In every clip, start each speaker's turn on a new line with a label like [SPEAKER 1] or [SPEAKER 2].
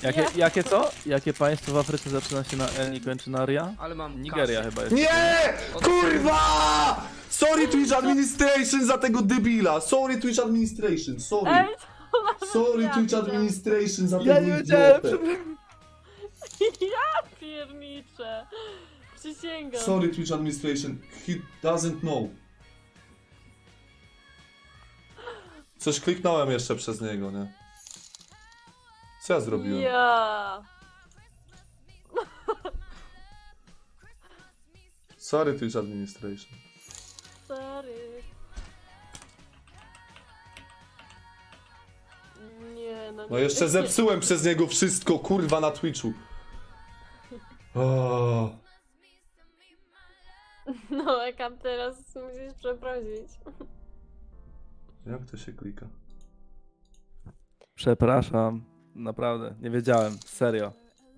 [SPEAKER 1] Jakie co? Jakie państwo w Afryce zaczyna się na N i kończy na RIA?
[SPEAKER 2] Ale mam
[SPEAKER 1] Nigeria
[SPEAKER 2] kasę.
[SPEAKER 1] chyba jest.
[SPEAKER 3] Nie! Kurwa! Sorry Twitch Administration za tego debila. Sorry Twitch Administration, sorry.
[SPEAKER 4] Ej,
[SPEAKER 3] Sorry Twitch Administration za
[SPEAKER 1] Ja
[SPEAKER 3] tego
[SPEAKER 1] nie wiedziałem,
[SPEAKER 3] idiotę.
[SPEAKER 4] ja pierniczę. Przysięgam.
[SPEAKER 3] Sorry Twitch Administration, he doesn't know. Coś kliknąłem jeszcze przez niego, nie? Co ja zrobiłem?
[SPEAKER 4] Ja.
[SPEAKER 3] Sorry Twitch Administration.
[SPEAKER 4] Sorry. Nie, no.
[SPEAKER 3] No jeszcze zepsułem przez niego wszystko, kurwa, na Twitchu. O,
[SPEAKER 4] No, Ekam, teraz musisz przeprosić.
[SPEAKER 3] jak to się klika?
[SPEAKER 1] Przepraszam. Naprawdę, nie wiedziałem. Serio.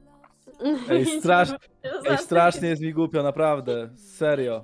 [SPEAKER 1] Ej, strasznie jest mi głupio, naprawdę. Serio.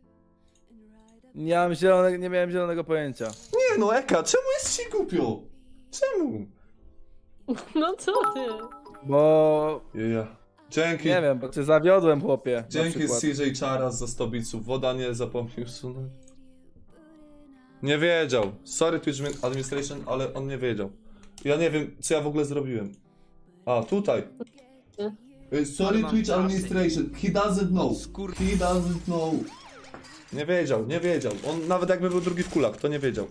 [SPEAKER 1] Nie miałem zielonego pojęcia.
[SPEAKER 3] Nie no, Eka, czemu jest ci głupio? Czemu?
[SPEAKER 4] No co ty?
[SPEAKER 1] Bo...
[SPEAKER 3] Ja. Dzięki.
[SPEAKER 1] Nie wiem, bo cię zawiodłem, chłopie. na
[SPEAKER 3] Dzięki
[SPEAKER 1] przykład.
[SPEAKER 3] CJ Charas za 100 biców. Woda nie zapomniał usunąć. Nie wiedział. Sorry Twitch Administration, ale on nie wiedział. Ja nie wiem, co ja w ogóle zrobiłem. A, tutaj. Sorry
[SPEAKER 2] Ale mam
[SPEAKER 3] Twitch
[SPEAKER 2] kasy.
[SPEAKER 3] Administration. He doesn't know. He doesn't know. Nie wiedział, nie wiedział. On nawet jakby był drugi w kulach, to nie wiedział.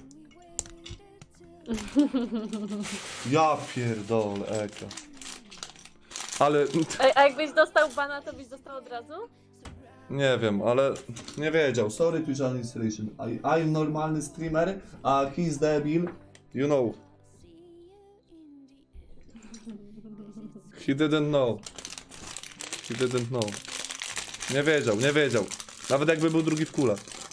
[SPEAKER 3] Ja pierdolę, Eka. Ale...
[SPEAKER 4] Ej, a jakbyś dostał bana, to byś dostał od razu?
[SPEAKER 3] Nie wiem, ale nie wiedział. Sorry Twitch Administration. I'm normalny streamer, a he's debil. You know. He didn't know. He didn't know. Nie wiedział, nie wiedział. Nawet jakby był drugi w kulach.